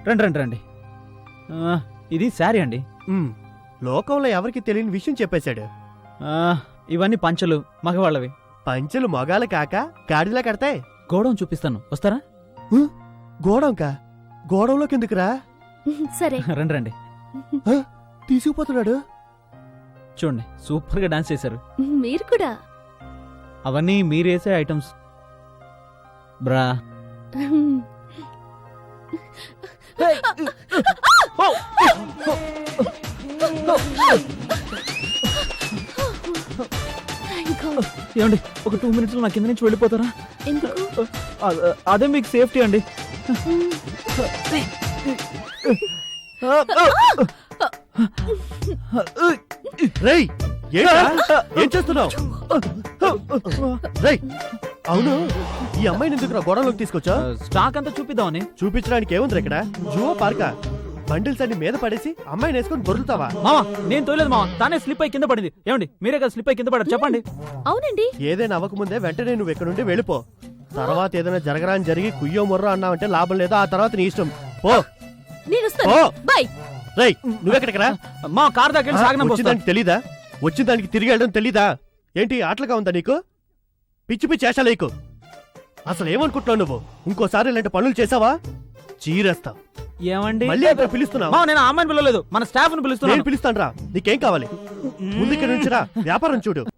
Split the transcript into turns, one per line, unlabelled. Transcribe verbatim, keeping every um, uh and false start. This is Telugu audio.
రండి రండి రండి ఆ, ఇది శారీ అండి.
ఉమ్, లోకంలో ఎవరికి తెలియని విషయం చెప్పేశాడు.
ఆ, ఇవన్నీ పంచలు మగవాళ్ళవి.
పంచెలు మొగాలు కాక గాడిలా కడతాయి.
గోడౌన్ చూపిస్తాను, వస్తారా?
గోడంకా గోడంలో కిందకురా.
సరే.
రండి రండి.
తీసుకుపోతున్నాడు.
చూడండి, సూపర్ గా డాన్స్ చేశారు.
మీరు కూడా.
అవన్నీ మీరేసే ఐటమ్స్. బ్రా ఏమండి, ఒక టూ మినిట్స్ లో నా కింద నుంచి వెళ్ళిపోతారా?
ఎందుకు?
అ- అదే మీకు సేఫ్టీ అండి.
రేయ్ ఏంట్రా? ఏం చేస్తున్నావు? రేయ్ అవును, ఈ అమ్మాయిని ఎందుకు గోడంలోకి తీసుకొచ్చా?
స్టాక్ అంతా చూపిద్దామని.
చూపించడానికి ఏముంది ఇక్కడ? జువో పార్కా? బండిల్స్ అన్ని మీద పడేసి అమ్మాయిని వేసుకొని దొరుకుతావా?
మావా, నేను తోలేదు మావా, తానే స్లిప్ అయి కింద పడింది. ఏమండి, మీరే కదా స్లిప్ అయి కింద పడారు, చెప్పండి.
అవునండి.
ఏదైనా అవ్వకముందే వెంటనే నువ్వు ఇక్కడ నుండి వెళ్ళిపో. తర్వాత ఏదైనా జరగరాని జరిగి కుయ్యో మొర్రో అన్నావంటే లాభం లేదు. ఆ తర్వాత నీ ఇష్టం. పో
నేను వస్తాను.
పో.
బై.
రేయ్ నువ్వెక్కడికి రా?
మా కార్ దగ్గర సాగనం
వచ్చిన దానికి తెలీదా? వచ్చిన దానికి తిరిగి వెళ్ళడం తెలీదా? ఏంటి ఆటలుగా ఉందా నీకు? పిచ్చి పిచ్చి వేషాలు నీకు. అసలు ఏమనుకుంటున్నావు నువ్వు? ఇంకోసారి ఇలాంటి పనులు చేసావా చీరేస్తావు.
ఏమండి,
మళ్ళీ ఇక్కడ పిలుస్తున్నావు?
మావా, నేను ఆ అమ్మాయిని పిలవలేదు, మన స్టాఫ్ ని పిలుస్తున్నాను.
నేను పిలుస్తాను రా. నీకేం కావాలి? ముందు ఇక్కడ నుంచి రా, వ్యాపారం చూడు.